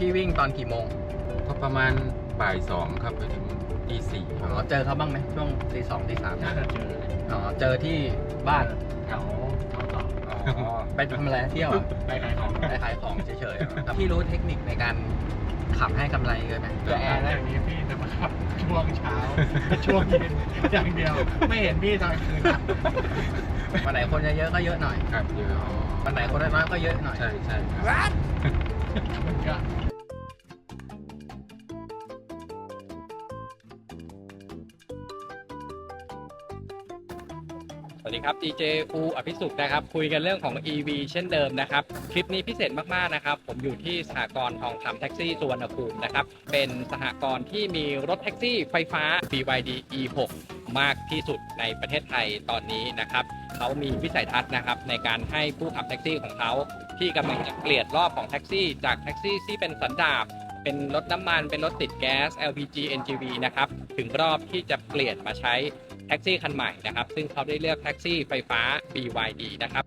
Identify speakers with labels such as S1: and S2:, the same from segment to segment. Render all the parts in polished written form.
S1: พี่วิ่งตอนกี่โมง
S2: ก็ประมาณบ่ายสองครับไปถึงตีสี่
S1: เจอเขาบ้างไหมช่วงตีสองตีสาม
S3: น่าจะเจอ
S1: เจอที่บ้าน
S3: แถวทองหล่อ
S1: ไปทำอะไรเที่ยว
S3: ไปขายของ
S1: ไปขายของเฉยๆพี่รู้เทคนิคในการขับให้กำไรเลยไหม
S3: แต่แอร์อย่างนี้พี่จะมาขับช่วงเช้าช่วงเย็นอย่างเดียวไม่เห็นพี่ตอนคืน
S1: วันไหนคนเยอะก็เยอะหน่อย
S2: ครับเยอะ
S1: วันไหนคนน้อยก็เยอะหน่อย
S2: ใช่ครับ
S3: มันก็
S4: สวัสดีครับ DJ อูอภิสุขนะครับคุยกันเรื่องของ EV เช่นเดิมนะครับคลิปนี้พิเศษมากๆนะครับผมอยู่ที่สหกรณ์ทองคำแท็กซี่สุวรรณภูมินะครับเป็นสหกรณ์ที่มีรถแท็กซี่ไฟฟ้า BYD E6 มากที่สุดในประเทศไทยตอนนี้นะครับเขามีวิสัยทัศน์นะครับในการให้ผู้ขับแท็กซี่ของเขาที่กำลังจะเปลี่ยนรอบของแท็กซี่จากแท็กซี่ที่เป็นสันดาปเป็นรถน้ำมันเป็นรถติดแก๊ส LPG NGV นะครับถึงรอบที่จะเปลี่ยนมาใช้แท็กซี่คันใหม่นะครับซึ่งเขาได้เลือกแท็กซี่ไฟฟ้า BYD นะครับ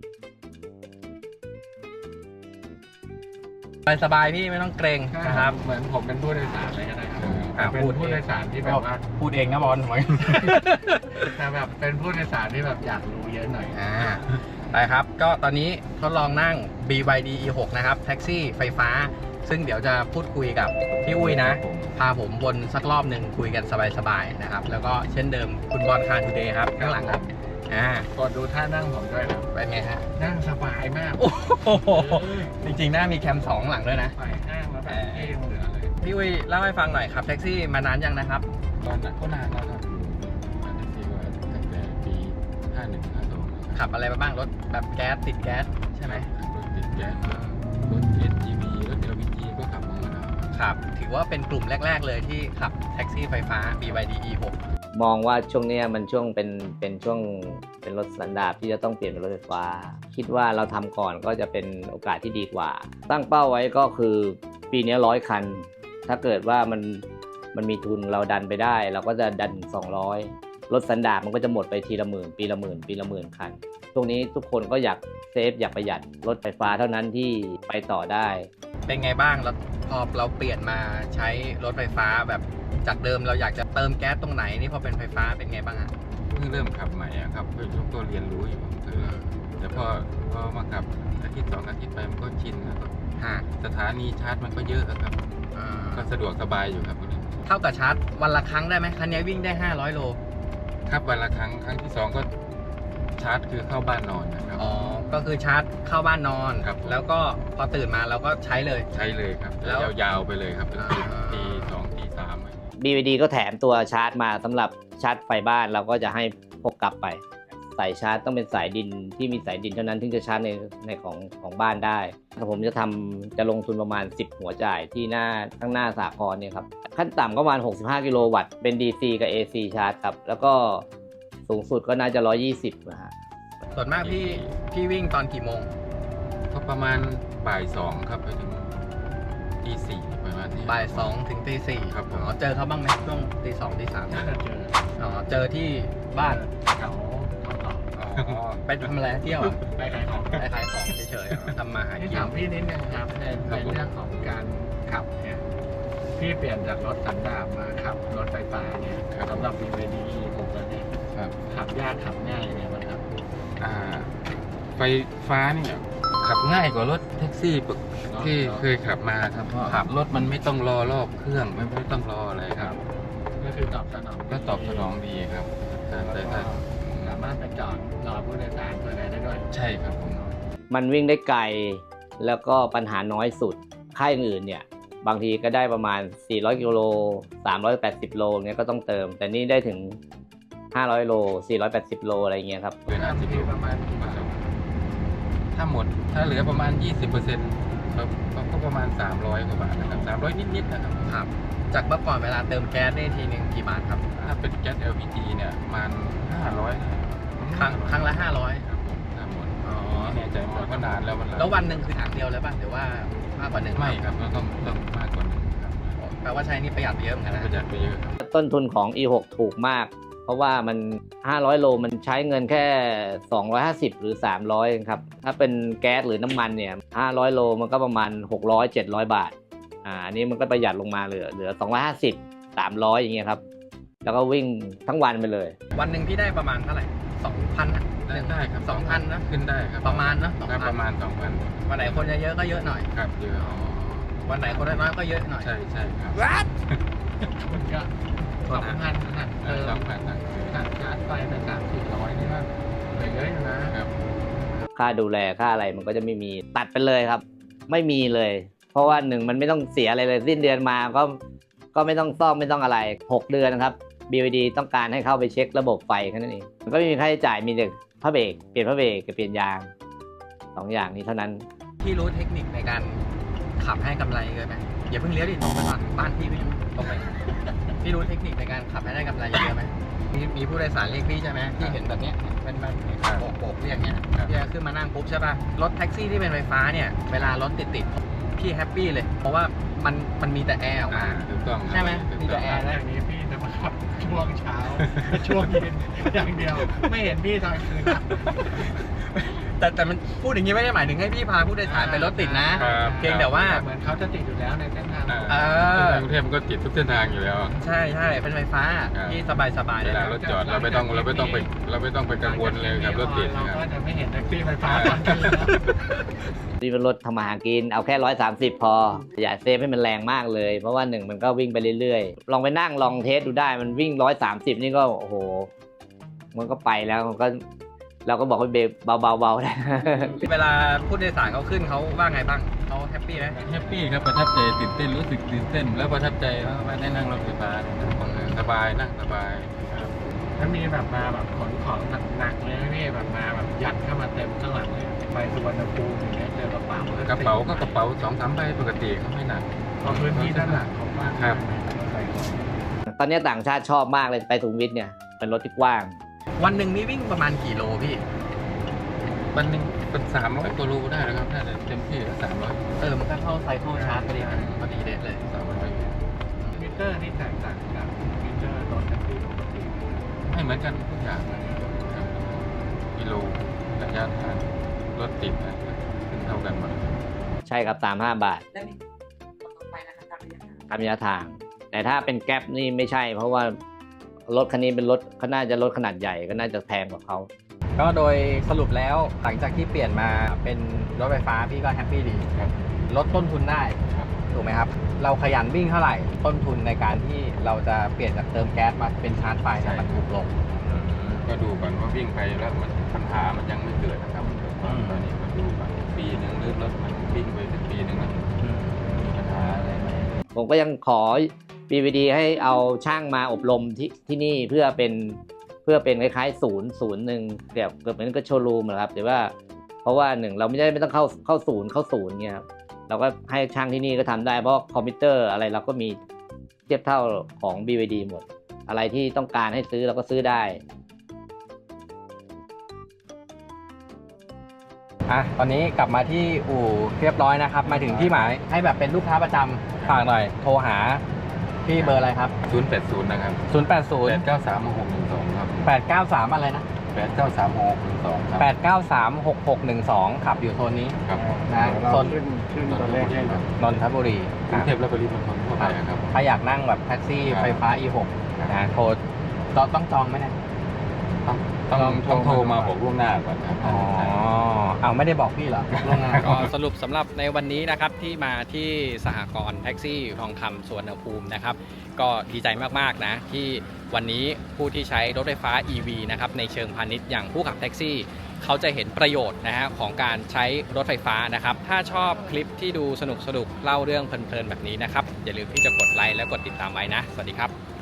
S1: สบายๆพี่ไม่ต้องเกรงนะครับ
S3: เหมือนผมเป็นผู้โดยสารเลยก็ได้ครับเป็นผู้โดยสารที่แบบว่า
S1: พูดเองนะบอล
S3: แต่แบบเป็นผู้โดยสารที่แบบอยากรู้เยอะหน่อย
S1: ได้ครับก็ตอนนี้ทดลองนั่ง BYD E6 นะครับแท็กซี่ไฟฟ้าซึ่งเดี๋ยวจะพูดคุยกับพี่อุ้ยนะพาผมวนสักรอบหนึ่งคุยกันสบายๆนะครับแล้วก็เช่นเดิมคุณบอลคาร์ทูเดย์ครับข้างหลังครับ
S3: กดดูท่านั่งผมด้วยนะ
S1: เป็นไงฮะ
S3: นั่งสบายมาก
S1: โอ้โหจริงๆหน้ามีแคม2หลังด้วยนะ
S3: ไปห้างแล้วแบบเท่เหลือเลย
S1: พี่อุ้ยเล่าให้ฟังหน่อยครับแท็กซี่มานานยังนะครับ
S2: ตอนนั้นก็นานแล้วครับแท็กซี่ว่าตั้งแต่ปี51 52
S1: ขับอะไรมาบ้างรถแบบแก๊สติดแก๊สใช่ไหม
S2: รถติดแก๊สรถ NGV รถ LPG ก็ขับมาแล้ว
S1: ครับถือว่าเป็นกลุ่มแรกๆเลยที่ขับแท็กซี่ไฟฟ้า BYD E6
S5: มองว่าช่วงนี้มันช่วงเป็นช่วงเป็นรถสันดาปที่จะต้องเปลี่ยนเป็นรถไฟฟ้าคิดว่าเราทำก่อนก็จะเป็นโอกาสที่ดีกว่าตั้งเป้าไว้ก็คือปีนี้100 คันถ้าเกิดว่ามันมีทุนเราดันไปได้เราก็จะดัน200รถสันดาปมันก็จะหมดไปทีละหมื่นปีละหมื่นปีละหมื่นคันช่วงนี้ทุกคนก็อยากเซฟอยากประหยัดรถไฟฟ้าเท่านั้นที่ไปต่อได้
S1: เป็นไงบ้างแล้วพอเราเปลี่ยนมาใช้รถไฟฟ้าแบบจากเดิมเราอยากจะเติมแก๊สตรงไหนนี่พอเป็นไฟฟ้าเป็นไงบ้างอ่ะ
S2: เพิ่งเริ่มขับใหม่ครับเพิ่งตัวเรียนรู้อยู่แต่พอมาขับอาทิตย์2 อาทิตย์ไปมันก็ชินแล้วก็สถานีชาร์จมันก็เยอะครับก็สะดวกสบายอยู่ครับ
S1: เท่ากับชาร์จวันละครั้งได้ไหมคันนี้วิ่งได้500 โล
S2: ครับวันละครั้งที่2ก็ชาร์จคือเข้าบ้านนอนนะครับ
S1: ก็คือชาร์จเข้าบ้านนอนแล้วก็พอตื่นมาเราก็ใช้เลย
S2: ครับแล้วยาวๆไปเลยครับตี 2 ตี 3
S5: BYD ก็แถมตัวชาร์จมาสำหรับชาร์จไฟบ้านเราก็จะให้พกกลับไปสายชาร์จต้องเป็นสายดินที่มีสายดินเท่านั้นถึงจะชาร์จในของบ้านได้ผมจะลงทุนประมาณ10 หัวจ่ายที่ข้างหน้าสหกรณ์เนี่ยครับขั้นต่ำก็ประมาณ65 กิโลวัตต์เป็น DC กับ AC ชาร์จครับแล้วก็สูงสุดก็น่าจะ120นะฮะ
S1: ส่วนมากพี่วิ่งตอนกี่โมง
S2: ก็ประมาณบ่าย2ครับไปถึงตี4ประมาณนี้
S1: บ่าย2ถึงตี4
S2: ครับ
S1: เจอเขาบ้างไหมช่วงตี2ตี3
S3: น่าจะเจอ
S1: เจอที่บ้าน
S3: แถวทองหล่อ
S1: ไปทำอะไรเที่ยว
S3: ไปขายของ
S1: เฉยๆทำมาหากิน
S3: ถามพี่นิดนึงครับในเรื่องของการขับเนี่ยพี่เปลี่ยนจากรถสันดาปมาขับรถไฟฟ้าเนี่ยสำหรับ BYD E6 แล้วเนี่ยขับยากขับง่ายยังไงบ้างครับ
S2: ไฟฟ้าเนี่ยขับง่ายกว่ารถแท็กซี่ที่เคยขับมาครับเพราะขับรถมันไม่ต้องรอรอบเครื่องไม่ต้องรออะไรครับ
S3: ก็คือตอบสนอง
S2: ดีครับแต่ถ้า
S3: สามารถไปจอดรอผู้โดยสารเพื่ออะไรได้ด้วย
S2: ใช่ครับผม
S5: มันวิ่งได้ไกลแล้วก็ปัญหาน้อยสุดค่ายอื่นเนี่ยบางทีก็ได้ประมาณ400 กิโล380 โลเนี่ยก็ต้องเติมแต่นี่ได้ถึง500 โล480 โลอะไรเงี้ยครับ
S2: เวลาที่ประมาณถ้าเหลือประมาณ 20%ก็ประมาณ300 กว่าบาทนะครับ300 นิดๆนะครับ
S1: จากเมื่อก่อนเวลาเติมแก๊สได้ทีนึงกี่บาทครับ
S2: ถ้าเป็นแก๊ส LPG เนี่ยประมาณ500
S1: ครั้งละ500
S2: ครับผมถ้าหมดแน่ใจหมดก็นานแล้ว
S1: วันหนึ่งคือถังเดียวเลยป่ะหรือว่ามากกว่า1
S2: ไม่ครับต้องมากกว่า1ครับ
S1: แปลว่าใช้นี่ประหยัดไปเยอะเหมือนกันนะ
S2: ประหยัดไปเยอะ
S5: ต้นทุนของ E6 ถูกมากเพราะว่ามัน500 โลมันใช้เงินแค่250หรือ300ครับถ้าเป็นแก๊สหรือน้ำมันเนี่ย500 โลมันก็ประมาณ600-700 บาทอันนี้มันก็ประหยัดลงมาเหลือ250 300อย่างเงี้ยครับแล้วก็วิ่งทั้งวันไปเลย
S1: วันหนึ่งพี่ได้ประมาณเท่าไหร่2,000นะ
S2: ได้ครับ
S1: 2,000นะ
S2: ขึ้นได้ครับ
S1: ประมาณนะ
S2: ครับประมาณ 2,000
S1: วันไหนคนเยอะๆก็เยอะหน่อย
S2: ครับเยอะ
S1: วันไหนคนน้อยๆก็เยอะหน่อย
S2: ใช่ใช่ครับ
S3: มันก็2,000หักเติม
S2: 2,000นะ
S3: หักชาร์จไฟไป300-400นี่ก็เหลือเยอะอยู่นะครับ
S5: ค่าดูแลค่าอะไรมันก็จะไม่มีตัดไปเลยครับ ไม่มีเลย เพราะว่าหนึ่งมันไม่ต้องเสียอะไรเลยสิ้นเดือนมาก็ไม่ต้องซ่อมไม่ต้องอะไร6เดือนนะครับ BYD ต้องการให้เข้าไปเช็คระบบไฟแค่นั้นเองมันก็ไม่มีค่าใช้จ่ายมีแต่ผ้าเบรกเปลี่ยนผ้าเบรกกับเปลี่ยนยาง2อย่างนี้เท่านั้น
S1: พี่รู้เทคนิคในการขับให้กำไรเยอะไหมอย่าเพิ่งเลี้ยวดิตรงไปก่อนบ้านพี่ก็อยู่ตรงไปพี่รู้เทคนิคในการขับให้ได้กำไรเยอะไหมมีผู้โดยสารเรียกพี่ใช่ไหมพี่เห็นแบบเนี้ยเป็นโบกเรียกเนี้ยพี่ขึ้นมานั่งปุ๊บใช่ป่ะรถแท็กซี่ที่เป็นไฟฟ้าเนี่ยเวลารถติดพี่แฮปปี้เลยเพราะว่ามันมีแต่แอร์ออกมา
S2: ถูกต้อง
S1: ใช่ไหมมีแต่แอร์
S3: อย่างนี้พี่จะมาขับช่วงเช้า ช่วงเย็นอย่างเดียว ไม่เห็นพี่ตอนคืนนะ
S1: แต่มันพูดอย่างนี้ไม่ได้หมายถึงให้พี่พาผู้โดยสารไปรถติดนะ เพียงแต่ว่า
S3: เหมือนเขาจะติดอยู่แล้วในเส้นทาง
S2: กรุงเทพมันก็ติดทุกเส้นทางอยู่แล้ว
S1: ใช่เป็นไฟฟ้าที่สบายๆ
S2: เว
S1: เลย
S2: ลารถจอดเราไม่ต้องไปกังวลเลยกับรถติด
S3: เรา
S2: นะค
S3: ก็
S2: รับ
S3: จะไม่เห็นแท็กซี่ไฟฟ้าตอนคืนแล้ว
S5: นี่เป็นรถทำมาหากินเอาแค่130พออย่าเซฟให้มันแรงมากเลยเพราะว่า1มันก็วิ่งไปเรื่อยๆลองไปนั่งลองเทสดูได้มันวิ่ง130นี่ก็โอ้โหมันก็ไปแล้วมันก็เราก็บอกให้เบรกเบาๆได้
S1: เวลาผู้โดยสารเขาขึ้นเขาว่าไงบ้างเขาแฮปปี้ไหม
S2: แฮปปี้ครับประทับใจตื่นเต้นรู้สึกตื่นเต้นแล้วประทับใจว่าได้นั่งรถไฟฟ้าสบายนั่งสบาย
S3: ถ้ามีแบบมาแบบขนของหนักๆเลยนะพี่แบบมาแบบยัดเข้ามาเต็มข้างหลังเลยไปสุวรรณภูมิอย่างเงี้ยเจอกระเป๋าก
S2: ระเป๋าก็กระเป๋า2-3ใบปกติเขาไม่หนัก
S3: เพราะพื้นที่ด้านหลังของบ้าน
S2: ครับ
S3: ใส่ของ
S5: ตอนนี้ต่างชาติชอบมากเลยไปสุขุมวิทเนี่ยเป็นรถที่กว้าง
S1: วันหนึ่งนี่วิ่งประมาณกี่โลพี่
S2: วันหนึงเป็น300กิโลได้แล้วครับน่าจะเต็มที่300
S1: มันก็เข้าไซเคิลชาร์จพอดีเด็ดเลย
S2: 300
S3: มิเตอร์นี่แตกต่างจากมิเตอร์รถแท็กซี่ปกติ
S2: ไม่เหมือนกันทุกอย่างกิโลระยะทางรถติดนะขึ้นเท่ากันหมด
S5: ใช่ครับ35 บาทตามระยะทาง แต่ถ้าเป็นแก๊ปนี่ไม่ใช่ เพราะว่ารถคันนี้เป็นรถเขาน่าจะรถขนาดใหญ่ก็น่าจะแพงกว่าเขา
S1: ก็โดยสรุปแล้วหลังจากที่เปลี่ยนมาเป็นรถไฟฟ้าพี่ก็แฮปปี้ดี
S2: ครับ
S1: ลดต้นทุนได้
S2: ครับ
S1: ถูกไหมครับ เราขยันวิ่งเท่าไหร่ต้นทุนในการที่เราจะเปลี่ยนจากเติมแก๊สมาเป็นชาร์จไฟเนี่ยมันถูกลง
S2: ก็ดูก่อนว่าวิ่งไปแล้วมันปัญหามันยังไม่เกิดนะครับตอนนี้ก็ดูก่อนปีหนึ่งหรือรถมันวิ่งไปสักปีหนึ่งแล้วมีปัญหาอะไรไหม
S5: ผมก็ยังขอ BYD ให้เอาช่างมาอบรมที่นี่เพื่อเป็นคล้ายๆศูนย์หนึ่งเกือบเหมือนกับโชว์รูมนะครับแต่ว่าเพราะว่าหนึ่งเราไม่ต้องเข้าศูนย์เงี้ยครับเราก็ให้ช่างที่นี่ก็ทำได้เพราะคอมพิวเตอร์อะไรเราก็มีเทียบเท่าของ BYD หมดอะไรที่ต้องการให้ซื้อเราก็ซื้อได้
S1: ตอนนี้กลับมาที่อู่เรียบร้อยนะครับ มาถึงที่หมายให้แบบเป็นลูกค้าประจำฝากหน่อยโทรหาพี่เบอร์อะไรครับ
S2: 080นะครับ
S1: 080
S2: 8936612ครับ
S1: 893อะไรนะ
S2: 8936612ครับ
S1: 8936612 ขับอยู่โซนนี้
S2: ครับ
S1: นะโซน
S3: ขึ้นตัวเลขให้หน่อย
S1: นนทบุรี
S2: กรุงเทพและปริมณฑลทั่วไปครับ
S1: ถ้าอยากนั่งแบบแท็กซี่ไฟฟ้า E6 นะโทรต้องจองไหมเนี่ย
S2: ต้องโทรมาบอกล่วงหน้าก่อนครับ
S1: เอาไม่ได้บอกพี่เหรอล่วงหน้า
S4: ก็สรุปสำหรับในวันนี้นะครับที่มาที่สหกรณ์แท็กซี่ทองคำสุวรรณภูมินะครับก็ดีใจมากๆนะที่วันนี้ผู้ที่ใช้รถไฟฟ้า EV นะครับในเชิงพาณิชย์อย่างผู้ขับแท็กซี่เขาจะเห็นประโยชน์นะฮะของการใช้รถไฟฟ้านะครับถ้าชอบคลิปที่ดูสนุกเล่าเรื่องเพลินๆแบบนี้นะครับอย่าลืมที่จะกดไลค์และกดติดตามไว้นะสวัสดีครับ